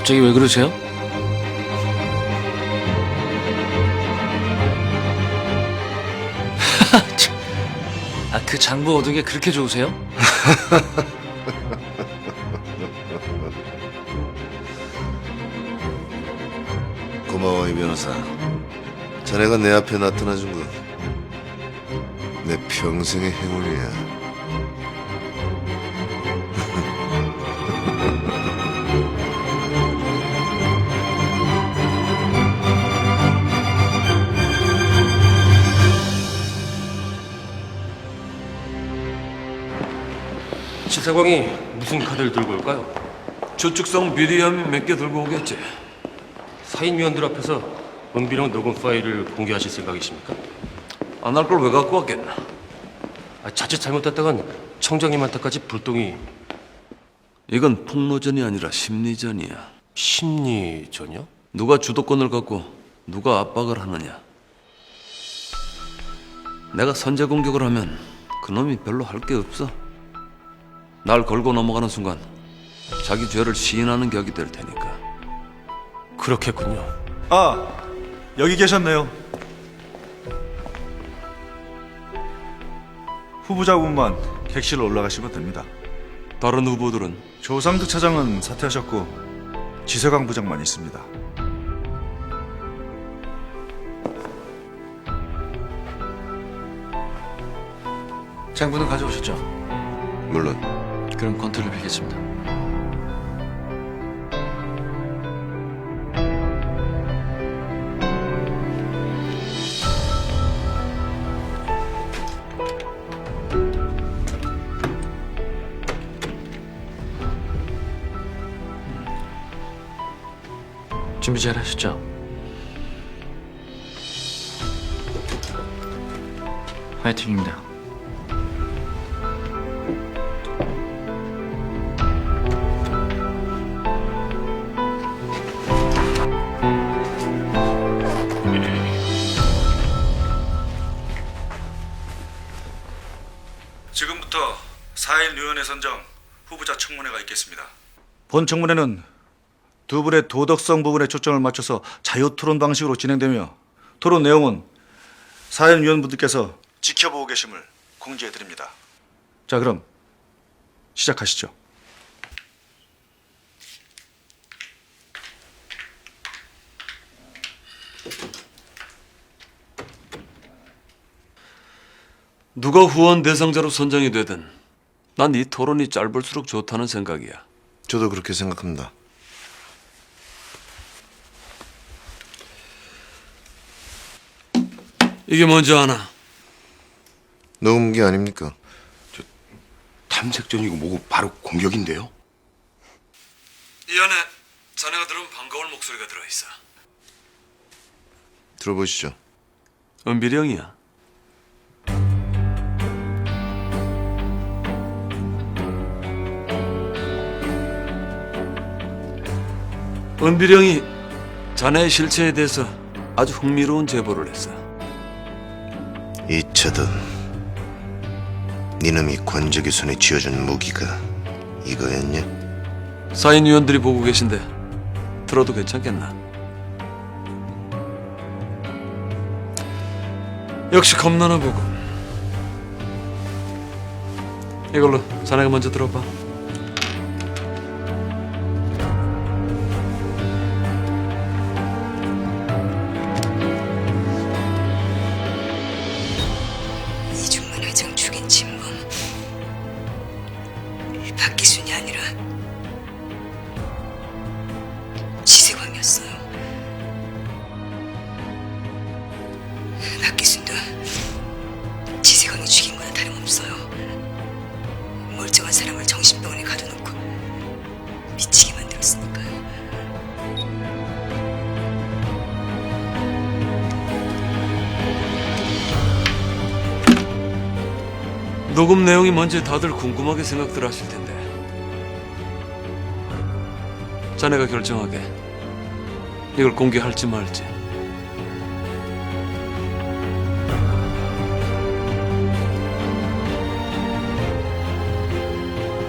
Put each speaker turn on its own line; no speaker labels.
갑자기 왜 그러세요? 그 장부 얻은 게 그렇게 좋으세요?
고마워, 이 변호사. 자네가 내 앞에 나타나준 건 내 평생의 행운이야.
지사광이 무슨 카드를 들고 올까요?
주축성 비리함이 몇 개 들고 오겠지.
사인위원들 앞에서 은비령 녹음 파일을 공개하실 생각이십니까?
안 할 걸 왜 갖고 왔겠나?
자칫 잘못했다간 청장님한테까지 불똥이.
이건 폭로전이 아니라 심리전이야.
심리전이요?
누가 주도권을 갖고 누가 압박을 하느냐. 내가 선제 공격을 하면 그놈이 별로 할 게 없어. 날 걸고 넘어가는 순간 자기 죄를 시인하는 격이 될 테니까.
그렇겠군요.
아, 여기 계셨네요. 후보자분만 객실로 올라가시면 됩니다.
다른 후보들은
조상득 차장은 사퇴하셨고 지세광 부장만 있습니다.
장부는 가져오셨죠?
물론
그럼 권투를 빌겠습니다. 준비 잘 하셨죠? 화이팅입니다.
지금부터 4일 위원회 선정 후보자 청문회가 있겠습니다. 본 청문회는 두 분의 도덕성 부분에 초점을 맞춰서 자유 토론 방식으로 진행되며 토론 내용은 4일 위원분들께서 지켜보고 계심을 공지해 드립니다. 자, 그럼 시작하시죠.
누가 후원 대상자로 선정이 되든 난 이 토론이 짧을수록 좋다는 생각이야.
저도 그렇게 생각합니다.
이게 뭔지 아나?
녹음기 아닙니까?
탐색전이고 뭐고 바로 공격인데요?
이 안에 자네가 들으면 반가울 목소리가 들어있어.
들어보시죠.
은비령이야. 은비령이 자네의 실체에 대해서 아주 흥미로운 제보를 했어.
이차든 니놈이 권적의 손에 쥐어준 무기가 이거였냐?
사인위원들이 보고 계신데 들어도 괜찮겠나? 역시 겁나나 보고. 이걸로 자네가 먼저 들어봐.
이중만 회장 죽인 진범 박기순이 아니라 지세광이었어요. 박기순도 지세광이 죽인 거나 다름없어요. 멀쩡한 사람을 정신병원에 가둬놓고 미치게 만들었으니까요.
녹음 내용이 뭔지 다들 궁금하게 생각들 하실 텐데 자네가 결정하게 이걸 공개할지 말지.